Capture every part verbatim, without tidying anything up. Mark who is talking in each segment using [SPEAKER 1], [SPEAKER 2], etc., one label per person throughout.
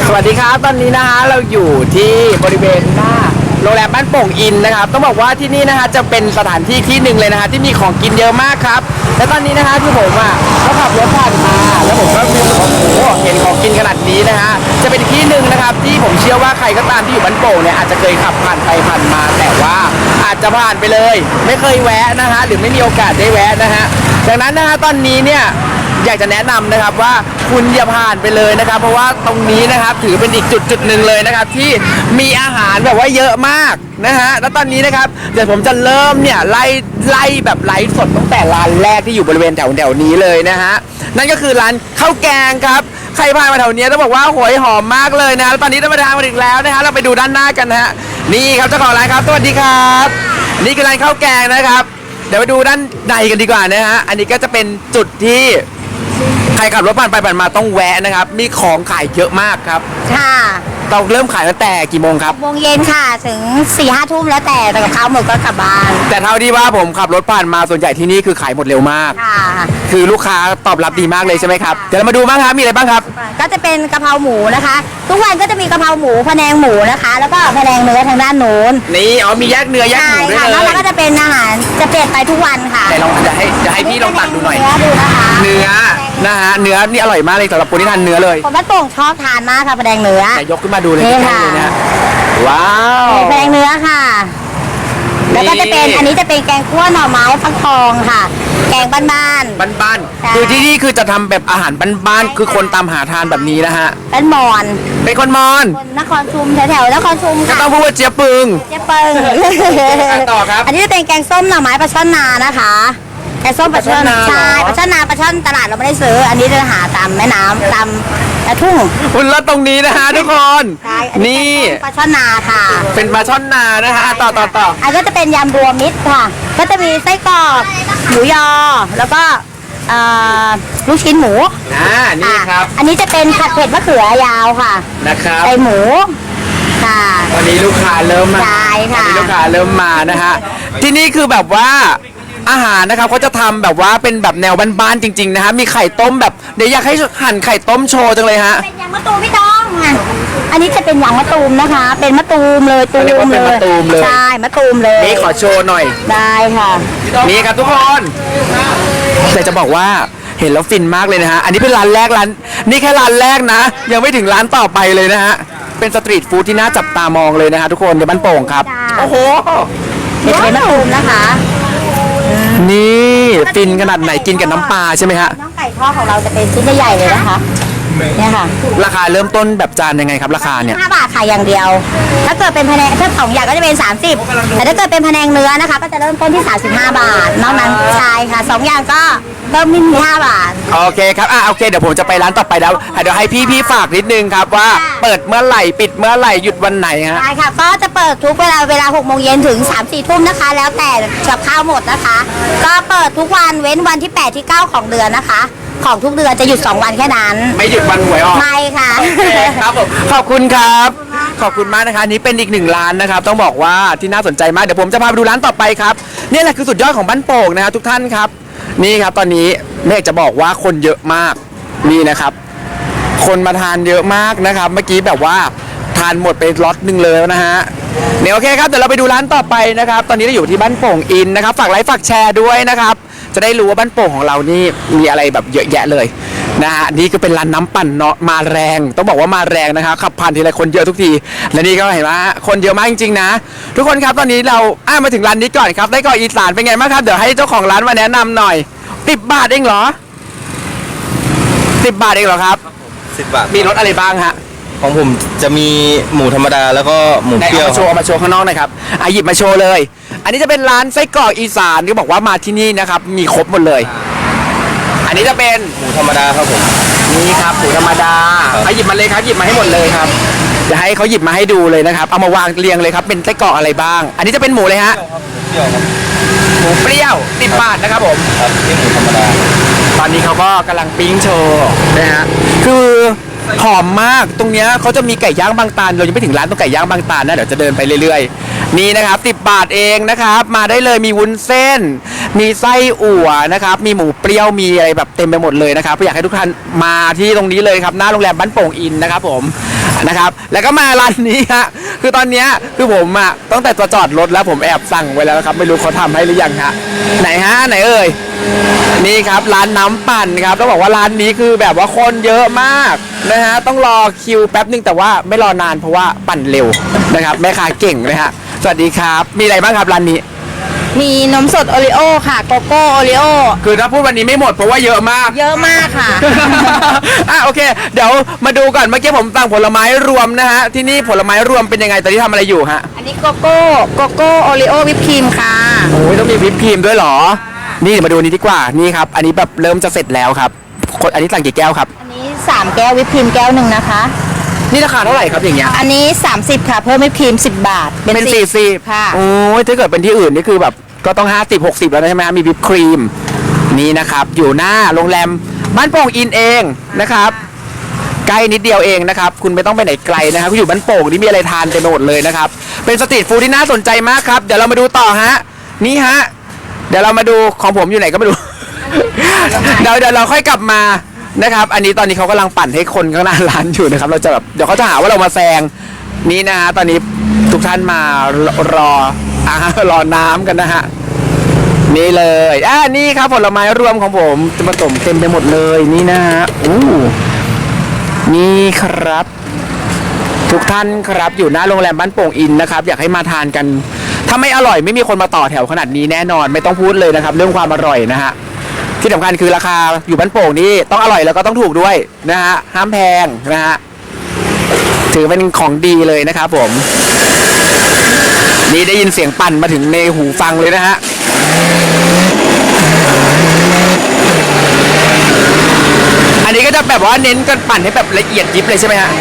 [SPEAKER 1] สวัสดีครับตอนนี้นะฮะเราอยู่ที่บริเวณหน้าโรงแรมบ้านโป่งอินนะครับต้องบอกว่าที่นี่นะฮะจะเป็นสถานที่ที่หนึ่งเลยนะฮะที่มีของกินเยอะมากครับและตอนนี้นะฮะที่ผมอ่ะก็ขับรถผ่านมาแล้วผมก็รู้สึกว่าโอ้โหเห็นของกินขนาดนี้นะฮะจะเป็นที่หนึ่งนะครับที่ผมเชื่อว่าใครก็ตามที่อยู่บ้านโป่งเนี่ยอาจจะเคยขับผ่านไปผ่านมาแต่ว่าอาจจะผ่านไปเลยไม่เคยแวะนะฮะหรือไม่มีโอกาสได้แวะนะฮะดังนั้นนะฮะตอนนี้เนี่ยอยากจะแนะนำนะครับว่าคุณอย่าผ่านไปเลยนะครับเพราะว่าตรงนี้นะครับถือเป็นอีกจุดจุดหนึ่งเลยนะครับที่มีอาหารแบบว่าเยอะมากนะฮะแล้วตอนนี้นะครับเดี๋ยวผมจะเริ่มเนี่ยไล่ไล่แบบไลฟ์สดตั้งแต่ร้านแรกที่อยู่บริเวณแถวแถวนี้เลยนะฮะนั่นก็คือร้านข้าวแกงครับใครผ่านมาแถวนี้ต้องบอกว่าหอยหอมมากเลยนะแล้วตอนนี้ได้มาทางมาถึงแล้วนะฮะเราไปดูด้านหน้ากันนะฮะนี่ครับเจ้าของร้านครับสวัสดีครับนี่คือร้านข้าวแกงนะครับเดี๋ยวไปดูด้านในกันดีกว่านะฮะอันนี้ก็จะเป็นจุดที่ใครขับรถผ่านไปผ่านมาต้องแวะนะครับมีของขายเยอะมากครับ
[SPEAKER 2] ค่ะ
[SPEAKER 1] เราเริ่มขายตั้งแต่กี่โมงครับ
[SPEAKER 2] วงเย็นค่ะถึงสี่ห้าทุ่มแล้วแต่แต่กับข้าวหมดก็กลับบ้าน
[SPEAKER 1] แต่เท่าที่ว่าผมขับรถผ่านมาส่วนใหญ่ที่นี่คือขายหมดเร็วมาก
[SPEAKER 2] ค่ะ
[SPEAKER 1] คือลูกค้าตอบรับดีมากเลยใช่ไหมครับเดี๋ยวเรามาดูบ้างครับมีอะไรบ้างครับ
[SPEAKER 2] ก็จะเป็นกะเพราหมูนะคะทุกวันก็จะมีกะเพราหมูพะแนงหมูนะคะแล้วก็พะแนงเนื้อทางด้านโน้น
[SPEAKER 1] นี่อ๋อมีแยกเนื้อแยกหมูด้วยเลย
[SPEAKER 2] แล้วเราก็จะเป็นอาหารจะเปลี่ยนไปทุกวันค่ะ
[SPEAKER 1] แต่ลองจะให้จะให้พี่ลองตักดูหน่อย
[SPEAKER 2] เนื้อดูนะคะ
[SPEAKER 1] เนื้อนะฮะเนื้อนี่อร่อยมากเลยสำหรับคนที่ทานเนื้อเลย
[SPEAKER 2] คนบ้านโป่งชอบทานมากค่ะพะแนงเนื้อ
[SPEAKER 1] แต่ยกขึ้นมาดูเลยเลยนะว้าว
[SPEAKER 2] พะแนงเนื้อค่ะแล้วก็จะเป็นอันนี้จะเป็นแกงคั่วหน่อไม้ฟักทองค่ะแกงบ้านบ้าน
[SPEAKER 1] บ้านๆคือที่นี่คือจะทำแบบอาหารบ้านๆคือคนตามหาทานแบบนี้นะฮะ
[SPEAKER 2] เป็นมอน
[SPEAKER 1] เป็นคนมอน
[SPEAKER 2] คนนครชุมแถวๆนครชุม
[SPEAKER 1] ก็
[SPEAKER 2] ค่ะ
[SPEAKER 1] ต้องพูดว่าเจี๊ยบปึง
[SPEAKER 2] เจี๊ยบปึง
[SPEAKER 1] ต่อครับ
[SPEAKER 2] อันนี้จะเป็นแกงส้มหน่อไม้ปลาช่อนนานะคะแกงส้มปลาช่อนใช่ปลาช่อนนาปลาช่อนตลาดเราไม่ได้ซื้ออันนี้จะหาตามแม่น้ำตามทุ่ง
[SPEAKER 1] คุณรถตรงนี้นะฮะทุกคนนี่
[SPEAKER 2] ปลาช่อนนาค่ะ
[SPEAKER 1] เป็นปลาช่อนนานะฮะต่อต่อต่อ
[SPEAKER 2] อันก็จะเป็นยำรวมมิตรค่ะก็จะมีไส้กรอกหมูยอแล้วก็ลูกชิ้นหมู
[SPEAKER 1] อ่านี่ครับ
[SPEAKER 2] อันนี้จะเป็นผัดเผ็ดมะเขือยาวค่ะ
[SPEAKER 1] นะครับ
[SPEAKER 2] ใส่หมูค่ะ
[SPEAKER 1] วันนี้ลูกค้าเริ่มมา
[SPEAKER 2] ใช่ค่ะ
[SPEAKER 1] ลูกค้าเริ่มมานะฮะที่นี่คือแบบว่าอาหารนะครับเขาจะทำแบบว่าเป็นแบบแนวบ้านๆจริงๆนะฮะมีไข่ต้มแบบเดี๋ยวอยากให้หั่นไข่ต้มโชว์จังเลยฮะ
[SPEAKER 2] เป็นยำมะตูมพี่ต้องอันนี้จะเป็นยำมะตูมนะคะเป็นมะตูมเลยตูมเลยใช่มะตูมเลย
[SPEAKER 1] นี่ขอโชว์หน่อย
[SPEAKER 2] ได้ค่ะ
[SPEAKER 1] นี่ครับทุกคนแต่จะบอกว่าเห็นแล้วฟินมากเลยนะฮะอันนี้เป็นร้านแรกร้านนี่แค่ร้านแรกนะยังไม่ถึงร้านต่อไปเลยนะฮะเป็นสตรีทฟู้ดที่น่าจับตามองเลยนะฮะทุกคนในบ้านโป่งครับโอ้โห
[SPEAKER 2] เป็นมะตูมนะคะ
[SPEAKER 1] นี่ฟินขนาดไหนกินกับน้ำปลาใช่ไหมฮะ
[SPEAKER 2] น้องไก่ทอดของเราจะเป็นชิ้นใหญ่ๆเลยนะคะเนี่ยค่ะ
[SPEAKER 1] ราคาเริ่มต้นแบบจานยังไงครับราคาเนี่ย
[SPEAKER 2] ห้าบาทขายอย่างเดียวถ้าเกิดเป็นพะแนงถ้าสองอย่างก็จะเป็นสามสิบแต่ถ้าเกิดเป็นพะแนงเนื้อนะคะก็จะเริ่มต้นที่สามสิบห้าบาทนอกนั้นใช่ค่ะสองอย่างก็เริ่มที่ห้าบาท
[SPEAKER 1] โอเคครับอ่ะโอเคเดี๋ยวผมจะไปร้านต่อไปแล้วเดี๋ยวให้พี่พี่ฝากนิดนึงครับว่าเปิดเมื่อไหร่ปิดเมื่อไหร่หยุดวันไหนฮะ
[SPEAKER 2] ใช่ค่ะก็จะเปิดทุกเวลาเวลาหกโมงเย็นถึงสามสี่ทุ่มนะคะแล้วแต่กับข้าวหมดนะคะก็เปิดทุกวันเว้นวันที่แปดที่เก้าของเดือนนะคะของทุกเดือนจะหยุดสองวันแค่นั้น
[SPEAKER 1] ไม่หยุดวันหวยออก
[SPEAKER 2] ไม่ค่ะ
[SPEAKER 1] ครับผมขอบคุณครับขอบคุณมากนะคะนี้เป็นอีกหนึ่งร้านนะครับต้องบอกว่าที่น่าสนใจมากเดี๋ยวผมจะพาไปดูร้านต่อไปครับนี่แหละคือสุดยอดของบ้านโป่งนะครับทุกท่านครับนี่ครับตอนนี้แม่จะบอกว่าคนเยอะมากนี่นะครับคนมาทานเยอะมากนะครับเมื่อกี้แบบว่าทานหมดไปล็อตหนึ่งเลยนะฮะเนี่ยโอเคครับเดี๋ยวเราไปดูร้านต่อไปนะครับตอนนี้เราอยู่ที่บ้านโป่งอินนะครับฝากไลค์ฝากแชร์ด้วยนะครับจะได้รู้ว่าบ้านโป่งของเรานี่มีอะไรแบบเยอะแยะเลยนะฮะนี่ก็เป็นร้านน้ำปั่นเนาะมาแรงต้องบอกว่ามาแรงนะคะขับผ่านทีไรคนเยอะทุกทีและนี่ก็เห็นว่าคนเยอะมากจริงๆนะทุกคนครับตอนนี้เราอ้ามาถึงร้านนี้ก่อนครับได้ก่ออีสานเป็นไงบ้างครับเดี๋ยวให้เจ้าของร้านมาแนะนำหน่อยสิบบาทเองเหรอสิบบาทเองเหรอครับ
[SPEAKER 3] สิบบาท
[SPEAKER 1] มีรสอะไรบ้างฮะ
[SPEAKER 3] ของผมจะมีหมูธรรมดาแล้วก็หมูเปรี้ยว
[SPEAKER 1] มาโชว์มาโชว์ข้างนอกหน่อยครับอ่ะหยิบมาโชว์เลยอันนี้จะเป็นร้านไส้กรอกอีสานที่บอกว่ามาที่นี่นะครับมีครบหมดเลยอันนี้จะเป็น
[SPEAKER 3] หมูธรรมดาครับผม
[SPEAKER 1] นี่ครับหมูธรรมดาเอาหยิบมาเลยครับหยิบมาให้หมดเลยครับจะให้เขาหยิบมาให้ดูเลยนะครับเอามาวางเรียงเลยครับเป็นไส้กรอกอะไรบ้างอันนี้จะเป็นหมูเลยฮะหมูเปรี้ยวสิบบาทนะครับผม
[SPEAKER 3] ครับนี่หมูธรรมดา
[SPEAKER 1] ตอนนี้เขาก็กำลังปิ้งโชว์นะฮะคือหอมมากตรงเนี้ยเขาจะมีไก่ย่างบางตาลเรายังไม่ถึงร้านตรงไก่ย่างบางตาลนะเดี๋ยวจะเดินไปเรื่อยๆนี่นะครับสิบบาทเองนะครับ มาได้เลยมีวุ้นเส้น มีไส้อั่วนะครับ มีหมูเปรี้ยวมีอะไรแบบเต็มไปหมดเลยนะครับอยากให้ทุกท่านมาที่ตรงนี้เลยครับหน้าโรงแรมบ้านโป่งอินนะครับผมนะครับ แล้วก็มาร้านนี้ฮะคือตอนเนี้ยคือผมอ่ะตั้งแต่จะจอดรถแล้วผมแอบสั่งไว้แล้วนะครับไม่รู้เขาทำให้หรือยังฮะไหนฮะไหนเอ่ยนี่ครับร้านน้ำปั่นครับต้องบอกว่าร้านนี้คือแบบว่าคนเยอะมากนะฮะต้องรอคิวแป๊บนึงแต่ว่าไม่รอนานเพราะว่าปั่นเร็วนะครับแม่ค้าเก่งนะฮะสวัสดีครับมีอะไรบ้างครับร้านนี้
[SPEAKER 2] มีนมสดโอริโอค่ะโกโก้โอริโอ
[SPEAKER 1] คือถ้าพูดวันนี้ไม่หมดเพราะว่าเยอะมาก
[SPEAKER 2] เยอะมากค่ะ
[SPEAKER 1] อ่ะโอเค เดี๋ยวมาดูก่อนเมื่อกี้ผมสั่งผลไม้รวมนะฮะที่นี่ผลไม้รวมเป็นยังไงตอนนี้ทำอะไรอยู่ฮะ
[SPEAKER 2] อันนี้โกโก้โกโก้โอริโอวิปครีมค่ะ
[SPEAKER 1] โอ้ยต้องมีวิปครีมด้วยเหรอ นี่เดี๋ยวมาดูอันนี้ดีกว่านี่ครับอันนี้แบบเริ่มจะเสร็จแล้วครับคนอันนี้สั่งกี่แก้วครับ
[SPEAKER 2] อันนี้สามแก้ววิปครีมแก้วหนึ่งนะคะ
[SPEAKER 1] นี่ราคาเท่าไหร่ครับอย่างเงี้ย
[SPEAKER 2] อันนี้สามสิบค่ะเพิ่มวิปครีมสิบบาท
[SPEAKER 1] เป็นสี่สิบ
[SPEAKER 2] ค่ะ
[SPEAKER 1] โอ้ยถ้าเกิดเป็นที่อื่นนี่คือแบบก็ต้องห้าสิบหกสิบแล้วนะใช่ไหมฮะมีวิปครีมนี่นะครับอยู่หน้าโรงแรมบ้านโป่งอินเองนะครับใกล้นิดเดียวเองนะครับคุณไม่ต้องไปไหนไกลนะครับคุณอยู่บ้านโป่งนี่มีอะไรทานเต็มไปหมดเลยนะครับเป็นสตรีทฟู้ดที่น่าสนใจมากครับเดี๋ยวเรามาดูต่อฮะนี่ฮะเดี๋ยวเรามาดูของผมอยู่ไหนก็ไม่รู้ เดี๋ยวเดี๋ยวเราค่อยกลับมานะครับอันนี้ตอนนี้เขากำลังปั่นให้คนข้างหน้าร้านอยู่นะครับเราจะแบบเดี๋ยวเขาจะหาว่าเรามาแซงนี่นะฮะตอนนี้ทุกท่านมารออ่ารอน้ำกันนะฮะนี่เลยอ่านี่ครับผลไม้รวมของผมจะมาต้มเต็มไปหมดเลยนี่นะฮะอู้นี่ครับ ทุกท่านครับอยู่หน้าโรงแรมบ้านโป่งอินนะครับอยากให้มาทานกันถ้าไม่อร่อยไม่มีคนมาต่อแถวขนาดนี้แน่นอนไม่ต้องพูดเลยนะครับ เรื่องความอร่อยนะฮะที่สำคัญคือราคาอยู่บ้านโป่งนี่ต้องอร่อยแล้วก็ต้องถูกด้วยนะฮะห้ามแพงนะฮะถือเป็นของดีเลยนะครับผมนี่ได้ยินเสียงปั่นมาถึงในหูฟังเลยนะฮะอันนี้ก็จะแบบว่าเน้นกันปั่นให้แบบละเอียดยิบเลยใช่ไหมฮะ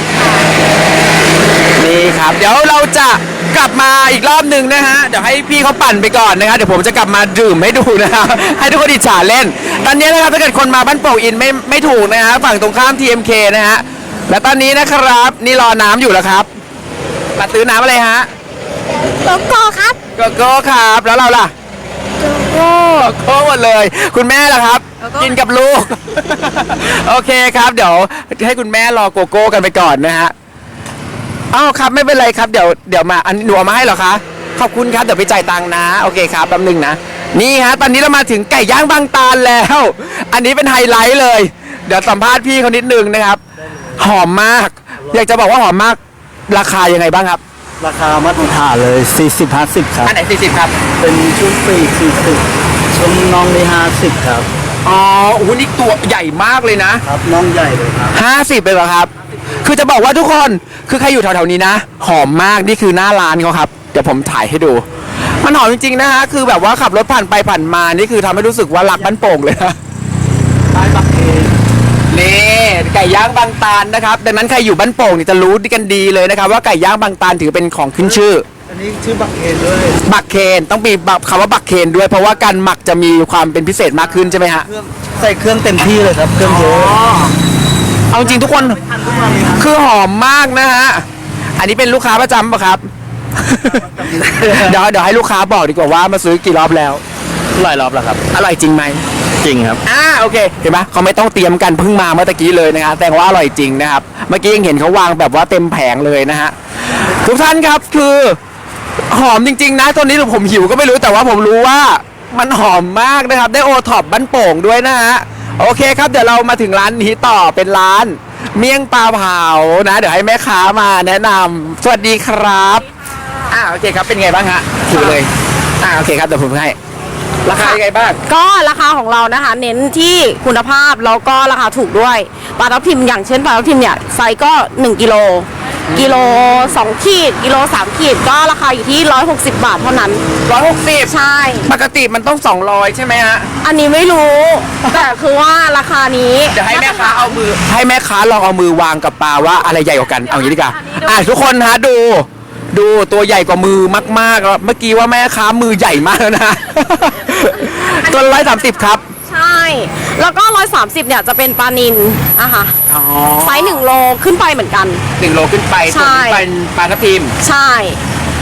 [SPEAKER 1] นี่ครับเดี๋ยวเราจะกลับมาอีกรอบหนึ่งนะฮะเดี๋ยวให้พี่เขาปั่นไปก่อนนะครับเดี๋ยวผมจะกลับมาดื่มให้ดูนะครับให้ทุกคนอิจฉาเล่นตอนนี้นะครับถ้าเกิดคนมาบ้านโป่งอินไม่ไม่ถูกนะฮะฝั่งตรงข้าม ที เอ็ม เค นะฮะและตอนนี้นะครับนี่รอน้ำอยู่แล้วครับมาซื้อน้ำอะไรฮะ
[SPEAKER 2] โกโก้ครับ
[SPEAKER 1] โกโก้ครับแล้วเราล่ะ
[SPEAKER 2] โกโก้
[SPEAKER 1] โกโก้หมดเลย คุณแม่ล่ะครับ กินกับลูก โอเคครับเดี๋ยวให้คุณแม่รอโกโก้กันไปก่อนนะฮะอ้าวครับไม่เป็นไรครับเดี๋ยวเดี๋ยวมาอันหนูเอามาให้เหรอคะขอบคุณครับเดี๋ยวไปจ่ายตังค์นะโอเคครับแป๊บนึงนะนี่ฮะตอนนี้เรามาถึงไก่ย่างบางตาลแล้ว อันนี้เป็นไฮไลท์เลย เดี๋ยวสัมภาษณ์พี่เขานิดนึงนะครับ หอมมาก อยากจะบอกว่าหอมมากราคายังไงบ้างครับ
[SPEAKER 4] ราคามาตรฐานเลย สี่สิบ ห้าสิบ ครับ
[SPEAKER 1] อันไหนสี่สิบครับ
[SPEAKER 4] เป็นชุดปีกสี่สิบชุดน้องนี่ห้าสิบครับ
[SPEAKER 1] อ๋อโอ้โหนี่ตัวใหญ่มากเลยนะ
[SPEAKER 4] ครับน้องใหญ่เลยครับ
[SPEAKER 1] ห้าสิบเลยเหรอครับ คือจะบอกว่าทุกคนคือใครอยู่แถวๆนี้นะหอมมากนี่คือหน้าร้านเขาครับเดี๋ยวผมถ่ายให้ดู มันหอมจริงๆนะฮะคือแบบว่าขับรถผ่านไปผ่านมานี่คือทำให้รู้สึกว่ารักบ้านโป่งเลยนะ
[SPEAKER 4] ใต้บักเอง
[SPEAKER 1] นี่ไก่ย่างบางตาลนะครับดังนั้นใครอยู่บ้านโป่งนี่จะรู้กันดีเลยนะครับว่าไก่ย่างบางตาลถือเป็นของขึ้นชื่อ
[SPEAKER 4] อันนี้ชื่อบักเองด้วย
[SPEAKER 1] บักเคนต้องมีคำว่าบักเคนด้วยเพราะว่าการหมักจะมีความเป็นพิเศษมากขึ้นใช่ไหมฮะ
[SPEAKER 4] เครื่องใส่เครื่องเต็มที่เลยครับเครื่องเยอะ
[SPEAKER 1] เอาจริงทุกคน
[SPEAKER 4] ทันทุกวันเลยครับ
[SPEAKER 1] คือหอมมากนะฮะ อันนี้เป็นลูกค้าประจำปะครับ เดี๋ยวเดี๋ยวให้ลูกค้าบอกดีกว่าว่ามาซื้อกี่รอบแล้ว
[SPEAKER 4] หลายรอบแล้วครับ
[SPEAKER 1] อร่อยจริงไหม
[SPEAKER 4] จริงครับ
[SPEAKER 1] อ่าโอเค เห็นไหมเขาไม่ต้องเตรียมกันเพิ่งมาเมื่อตะกี้เลยนะครับแต่ว่าอร่อยจริงนะครับ เมื่อกี้ยังเห็นเขาวางแบบว่าเต็มแผงเลยนะฮะ ทุกท่านครับคือหอมจริง ๆ นะตอนนี้ผมหิวก็ไม่รู้แต่ว่าผมรู้ว่ามันหอมมากนะครับ ได้โอท็อปบ้านโป่งด้วยนะฮะ โอเคครับเดี๋ยวเรามาถึงร้านนี้ต่อเป็นร้าน เมี่ยงปลาเผานะ เดี๋ยวให้แม่ค้ามาแนะนำสวัสดีครับอ่าโอเคครับเป็นไงบ้างฮะถือเลยอ่าโอเคครับเดี๋ยวผมให้ราคายังไงบ้าง
[SPEAKER 5] ก็ราคาของเรานะคะ เน้นที่คุณภาพแล้วก็ราคาถูกด้วยปลาทับทิมอย่างเช่นปลาทับทิมเนี่ยไซส์ก็หนึ่งกิโลกิโลสองขีดกิโลสามขีดก็ราคาอยู่ที่หนึ่งร้อยหกสิบบาทเท่านั้น
[SPEAKER 1] ร้อยหกสิบ
[SPEAKER 5] ใช่
[SPEAKER 1] ปกติมันต้องสองร้อยใช่ไหมฮะ
[SPEAKER 5] อันนี้ไม่รู้ แต่คือว่าราคานี้
[SPEAKER 1] เดี๋ยวให้แม่ค้าเอามือให้แม่ค้าลองเอามือวางกับปลาว่าอะไรใหญ่กว่ากันเอาอย่างนี้ดีกว่าอ่ะทุกคนฮะดู ดูตัวใหญ่กว่ามือมากๆแล้วเมื่อกี้ว่าแม่ค้ามือใหญ่มากแล้วนะ ตัวร้อยสามสิบครับ
[SPEAKER 5] ใช่ แล้วก็ร้อยสามสิบเนี่ยจะเป็นปลานิลอะค่ะ
[SPEAKER 1] อ๋อ
[SPEAKER 5] ไซส์หนึ่งโลขึ้นไปเหมือนกัน
[SPEAKER 1] หนึ่งโลขึ้นไป
[SPEAKER 5] ใช่
[SPEAKER 1] ส่วนนี้เป็นปลาทับทิม
[SPEAKER 5] ใช่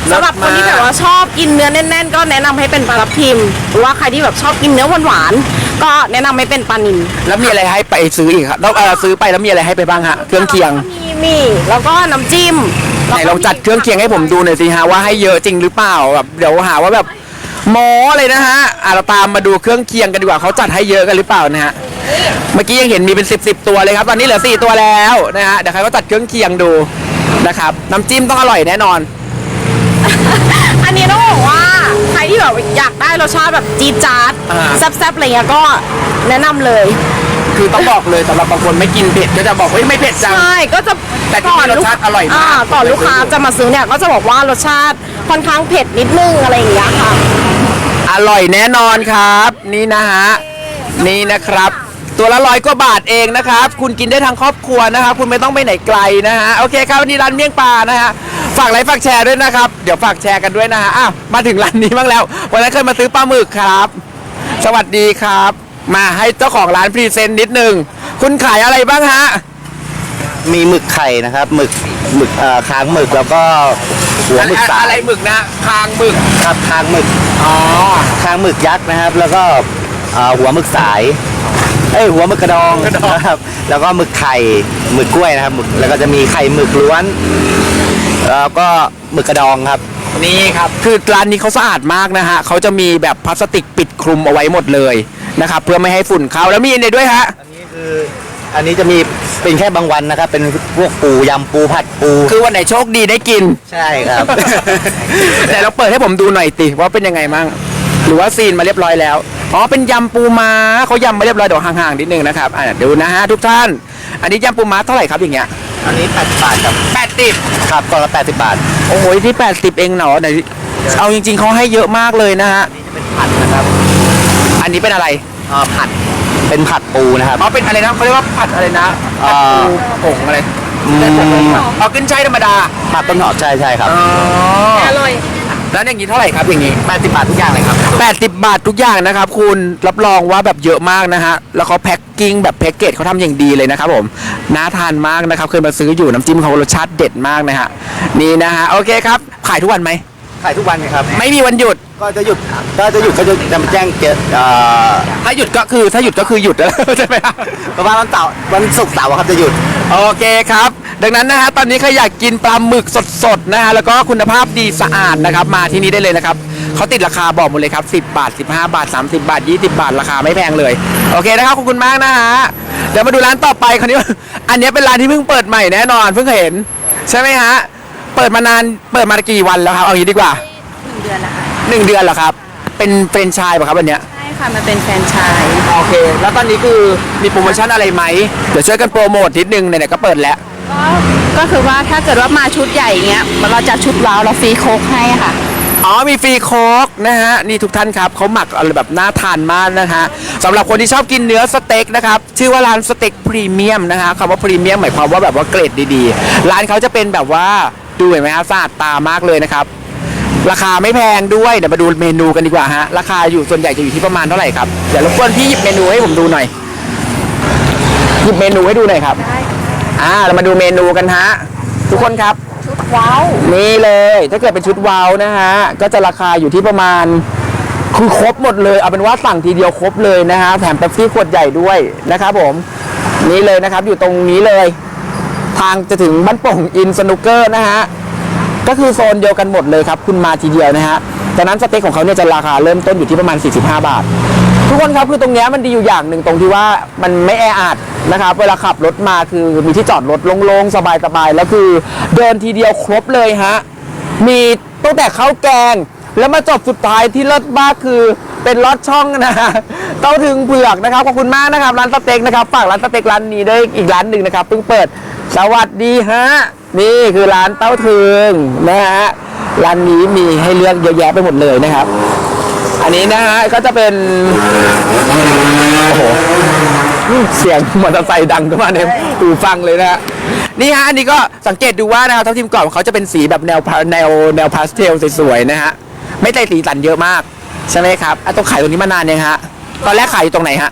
[SPEAKER 5] สำหรับคนที่แบบว่าชอบกินเนื้อแน่นๆ ก็แนะนำให้เป็นปลาทับทิมหรือว่าใครที่แบบชอบกินเนื้อหวานๆก็แนะนำให้เป็นปลานิล
[SPEAKER 1] แล้วมีอะไรให้ไปซื้ออีกครับต้องเออซื้อไปแล้วมีอะไรให้ไปบ้างฮะเครื่องเคียง
[SPEAKER 5] มีมีแล้วก็น้ำจิ้ม
[SPEAKER 1] ไหนลองจัดเครื่องเคียงให้ผมดูหน่อยสิฮะว่าให้เยอะจริงหรือเปล่าแบบเดี๋ยวหาว่าแบบโม้เลยนะฮะอ่ะเราตามมาดูเครื่องเคียงกันดีกว่าเขาจัดให้เยอะกันหรือเปล่านะฮะเมื่อกี้ยังเห็นมีเป็นสิบสิบตัวเลยครับตอนนี้เหลือสี่ตัวแล้วนะฮะเดี๋ยวใครก็จัดเครื่องเคียงดูนะครับน้ำจิ้มต้องอร่อยแน่นอน
[SPEAKER 5] อันนี้ต้องบอกว่าใครที่แบบอยากได้รสชาติแบบจี๊ดจ๊าด
[SPEAKER 1] อ่า
[SPEAKER 5] แซ่บๆอะไรเงี้ยก็แนะนำเลย
[SPEAKER 1] คือต้องบอกเลยสำหรับบางคนไม่กินเผ็ดก็จะบอกว่าไม่เผ็ดจัง
[SPEAKER 5] ใช่ก็จะ
[SPEAKER 1] แต่ที่นี่รสชาติอร่อยมาก
[SPEAKER 5] ก่อนลูกค้าจะมาซื้อเนี่ยก็จะบอกว่ารสชาติค่อนข้างเผ็ดนิดนึงอะไรอย่างเงี้ยค่ะ
[SPEAKER 1] อร่อยแน่นอนครับ นี่นะฮะนี่นะครับ ตัวละร้อยกว่าบาทเองนะครับ คุณกินได้ทั้งครอบครัวนะครับ คุณไม่ต้องไปไหนไกลนะฮะโอเคครับวันนี้ร้านเมี่ยงปลานะฮะฝากไลค์ฝากแชร์ด้วยนะครับเดี๋ยวฝากแชร์กันด้วยนะฮะอ้าวมาถึงร้านนี้บ้างแล้ววันนั้นเคยมาซื้อปลาหมึกครับ สวัสดีครับ มาให้เจ้าของร้านพรีเซนต์นิดนึงคุณขายอะไรบ้างฮะ
[SPEAKER 3] มีหมึกไข่นะครับหมึกหมึกเอ่อค้างหมึกแล้วก็หัวหมึกสา
[SPEAKER 1] อะไร
[SPEAKER 3] ย
[SPEAKER 1] หมึกนะคางหมึก
[SPEAKER 3] ครับค้างหมึก
[SPEAKER 1] อ๋อ
[SPEAKER 3] ค้างหมึกยักษ์นะครับ แล้วก็เอ่อหัวหมึกสายเอ้ยหัวหมึกกระดองนะครับแล้วก็หมึกไข่หมึกกล้วยนะครับหมึกแล้วก็จะมีไข่หมึกล้วนแล้วก็หมึกกระดองครับ
[SPEAKER 1] นี่ครับคือร้านนี้เขาสะอาดมากนะฮะเขาจะมีแบบพลาสติกปิดคลุมเอาไว้หมดเลยนะครับเพื่อไม่ให้ฝุ่นเข้าแล้วมีอะไรด้วยฮะ
[SPEAKER 3] อันนี้คืออันนี้จะมีเป็นแค่บางวันนะครับ เป็นพวกปูยำปูผัดปู
[SPEAKER 1] คือวันไหนโชคดีได้กิน
[SPEAKER 3] ใช่ครับ
[SPEAKER 1] แต่เราเปิดให้ผมดูหน่อยติว่าเป็นยังไงมั่งหรือว่าซีนมาเรียบร้อยแล้วอ๋อเป็นยำปูม้าเขายำมาเรียบร้อยเดี๋ยวห่างๆนิดนึงนะครับอ่ะดูนะฮะทุกท่าน อันนี้ยำปูม้าเท่าไหร่ครับอย่างเงี้ย
[SPEAKER 3] อันนี้แปดสิบบาทครับ
[SPEAKER 1] แปดสิบ
[SPEAKER 3] ครับกล่องละแปดสิบบาท
[SPEAKER 1] โอ้โหที่แปดสิบเองเหรอไหนเอาจริงๆเขาให้เยอะมากเลยนะฮะ
[SPEAKER 3] เป็นผัดนะครับ
[SPEAKER 1] อันนี้เป็นอะไร
[SPEAKER 3] เอ่อผัดเป็นผัดปูนะครับ
[SPEAKER 1] อ๋อเป็นอะไรนะเขาเรียกว่าผัดอะไรนะผัดปูผงอะไร
[SPEAKER 3] อืม
[SPEAKER 1] เอาขึ้นใช้ธรรมดา
[SPEAKER 3] ผัดต้นหอมใช่ใช่ครับ
[SPEAKER 1] อ๋อ
[SPEAKER 5] อร่อย
[SPEAKER 1] แล้วอย่างนี้เท่าไหร่ครับอย่างนี้
[SPEAKER 3] แปดสิบบาททุกอย่างเลยครับ
[SPEAKER 1] แปดสิบบาททุกอย่างนะครับคุณรับรองว่าแบบเยอะมากนะฮะแล้วเขาแพ็คกิ้งแบบแพ็กเกจเขาทำอย่างดีเลยนะครับผมน่าทานมากนะครับเคยมาซื้ออยู่น้ำจิ้มเขารสชาติเด็ดมากนะฮะนี่นะฮะโอเคครับขายทุกวันไหม
[SPEAKER 3] ขายทุกวันครับ
[SPEAKER 1] ไม่มีวันหยุด
[SPEAKER 3] ก็จะหยุดก็จะหยุดก็จะจะมาแจ้งเกิดเอ่อ
[SPEAKER 1] ถ้าหยุดก็คือถ้าหยุดก็คือหยุดแล้ว ใช่ไหมครับ
[SPEAKER 3] ประมาณวันเสาร์วันศุกร์เสาร์ครับจะหยุด
[SPEAKER 1] โอเคครับ ดังนั้นนะฮะตอนนี้ใครอยากกินปลาหมึกสดๆนะฮะแล้วก็คุณภาพดีสะอาดนะครับมาที่นี่ได้เลยนะครับเขาติดราคาบอกหมดเลยครับสิบบาทสิบห้าบาทสามสิบบาทยี่สิบบาทราคาไม่แพงเลยโอเคนะครับขอบคุณมากนะฮะเดี๋ยวมาดูร้านต่อไปคราวนี้ อันนี้เป็นร้านที่เพิ่งเปิดใหม่แน่นอนเพิ่งเห็นใช่ไหมฮะเปิดมานานเปิดมากี่วันแล้วครับเอางี้ดีกว่า
[SPEAKER 5] เดือนละค่ะ
[SPEAKER 1] หนึ่งเดือนเหรอครับเป็นเฟรนไชส์ป่ะครับวันเนี้ย
[SPEAKER 5] ใช่ค่ะมันเป็นแฟรนไชส์
[SPEAKER 1] โอเค แล้วตอนนี้คือมีโปรโมชั่นอะไรไหมเดี๋ยวช่วยกันโปรโมทนิดนึงไหนๆก็เปิดแล้ว
[SPEAKER 5] ก็ก็คือว่าถ้าเกิดว่ามาชุดใหญ่เงี้ยเราจะชุดว้าวเราฟรีโค้กให้ค่ะ
[SPEAKER 1] อ๋อมีฟรีโค้กนะฮะนี่ทุกท่านครับเขาหมักอะไรแบบน่าทานมากนะฮะสำหรับคนที่ชอบกินเนื้อสเต็กนะครับชื่อว่าร้านสเต็กพรีเมียมนะฮะคำว่าพรีเมียมหมายความว่าแบบว่าเกรดดีๆร้านเขาจะเป็นแบบว่าดูเห็นไหมฮะสะอาดตามากเลยนะครับราคาไม่แพงด้วยเดี๋ยวมาดูเมนูกันดีกว่าฮะราคาอยู่ส่วนใหญ่จะอยู่ที่ประมาณเท่าไหร่ครับเดี๋ยวรบกวนพี่หยิบเมนูให้ผมดูหน่อยหยิบเมนูให้ดูหน่อยครับอ่าเรามาดูเมนูกันฮะทุกคนครับ
[SPEAKER 5] ว้าว
[SPEAKER 1] นี่เลยถ้าเกิดเป็นชุดว้าวนะฮะก็จะราคาอยู่ที่ประมาณคือครบหมดเลยเอาเป็นว่าสั่งทีเดียวครบเลยนะฮะแถมเป๊ปซี่ขวดใหญ่ด้วยนะครับผมนี่เลยนะครับอยู่ตรงนี้เลย ทางจะถึงบ้านโป่งอินสนุกเกอร์นะฮะก็คือโซนเดียวกันหมดเลยครับคุณมาทีเดียวนะฮะดังนั้นสเต็กของเขาเนี่ยจะราคาเริ่มต้นอยู่ที่ประมาณสี่สิบห้าบาททุกคนครับคือตรงเนี้ยมันดีอยู่อย่างหนึ่งตรงที่ว่ามันไม่แออัดนะครับเวลาขับรถมาคือมีที่จอดรถโล่งๆสบายๆแล้วคือเดินทีเดียวครบเลยฮะมีตั้งแต่ข้าวแกงแล้วมาจบสุดท้ายที่เลิศมากคือเป็นลอดช่องนะฮะเต้าถึงเผือกนะครับขอบคุณมากนะครับร้านสเต็กนะครับฝากร้านสเต็กร้านนี้ด้วยอีกร้านหนึ่งนะครับเพิ่งเปิดสวัสดีฮะนี่คือร้านเต้าถึงนะฮะร้านนี้มีให้เลือกเยอะแยะไปหมดเลยนะครับอันนี้นะฮะก็จะเป็นโอ้โหเสียงมอเตอร์ไซค์ดังเข้ามาในหูฟังเลยนะฮะนี่ฮะอันนี้ก็สังเกตดูว่านะครับทัพทิมกรอบของเขาจะเป็นสีแบบแนวแนวแนวพาสเทลสวยๆนะฮะไม่ได้สีสันเยอะมากใช่ไหมครับอ่ะต้องขายตรงนี้มานานยังฮะตอนแรกขายอยู่ตรงไหนฮะ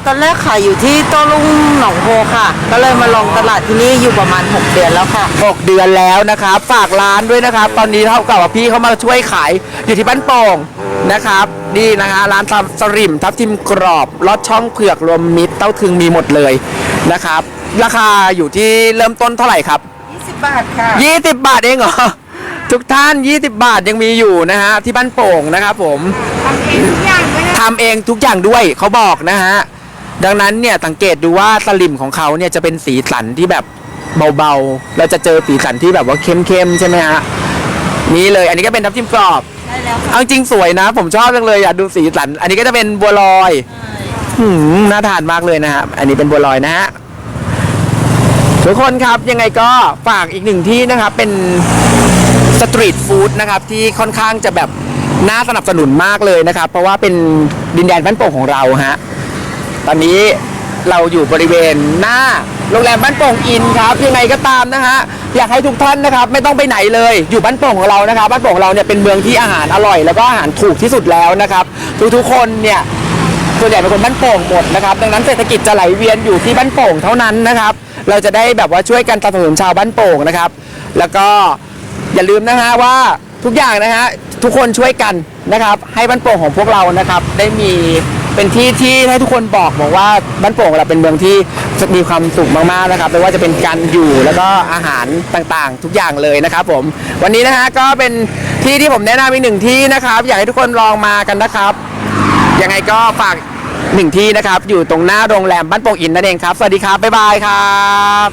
[SPEAKER 6] ตอนแรกขายอยู่ที่โต้รุ่งหนองโพค่ะ ก็เลยมาลองตลาดที่นี่อยู่ประมาณหกเดือนแล้วค่ะ
[SPEAKER 1] หกเดือนแล้วนะครับฝากร้านด้วยนะครับ ตอนนี้เท่ากับว่าพี่เขามาช่วยขายอยู่ที่บ้านโป่งนะครับนี่นะฮะร้านทับสริมทับทิมกรอบลอดช่องเผือกรวมมิตรเต้าถึงมีหมดเลยนะครับ ราคาอยู่ที่เริ่มต้นเท่าไหร่ครับยี่สิบบาทค่ะยี่สิบบาทเองเหรอทุกท่านยี่สิบบาทยังมีอยู่นะฮะที่บ้านโป่งนะครับผมทำเองทุกอย่างด้วยเขาบอกนะฮะดังนั้นเนี่ยสังเกตดูว่าสลิมของเขาเนี่ยจะเป็นสีสันที่แบบเบาๆเราจะเจอสีสันที่แบบว่าเข้มๆใช่ไหมฮะนี่เลยอันนี้ก็เป็นทับทิมกรอบเอาจริงสวยนะ ผมชอบจังเลยอยากดูสีสันอันนี้ก็จะเป็นบัวลอยหืมน่าทานมากเลยนะฮะอันนี้เป็นบัวลอยนะฮะทุกคนครับยังไงก็ฝากอีกหนึ่งที่นะครับเป็นสตรีทฟู้ดนะครับที่ค่อนข้างจะแบบน่าสนับสนุนมากเลยนะครับเพราะว่าเป็นดินแดนบ้านโป่งของเราฮะตอนนี้เราอยู่บริเวณหน้าโรงแรมบ้านโป่งอินครับยังไงก็ตามนะฮะอยากให้ทุกท่านนะครับไม่ต้องไปไหนเลยอยู่บ้านโป่งของเรานะครับบ้านโป่งของเราเนี่ยเป็นเมืองที่อาหารอร่อยแล้วก็อาหารถูกที่สุดแล้วนะครับทุกๆคนเนี่ยส่วนใหญ่เป็นคนบ้านโป่งหมดนะครับดังนั้นเศรษฐกิจจะไหลเวียนอยู่ที่บ้านโป่งเท่านั้นนะครับเราจะได้แบบว่าช่วยกันสนับสนุนชาวบ้านโป่งนะครับแล้วก็อย่าลืมนะฮะว่าทุกอย่างนะฮะทุกคนช่วยกันนะครับให้บ้านโป่งของพวกเรานะครับได้มีเป็นที่ที่ให้ทุกคนบอกบอกว่าบ้านโป่งเราเป็นเมืองที่มีความสุขมากๆนะครับไม่ว่าจะเป็นการอยู่แล้วก็อาหารต่างๆทุกอย่างเลยนะครับผมวันนี้นะฮะก็เป็นที่ที่ผมแนะนำอีกหนึ่งที่นะครับอยากให้ทุกคนลองมากันนะครับยังไงก็ฝากหนึ่งที่นะครับอยู่ตรงหน้าโรงแรมบ้านโป่งอินนั่นเองครับสวัสดีครับบ๊ายบายครับ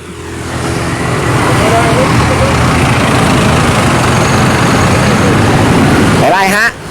[SPEAKER 1] บ๊ายบายฮะ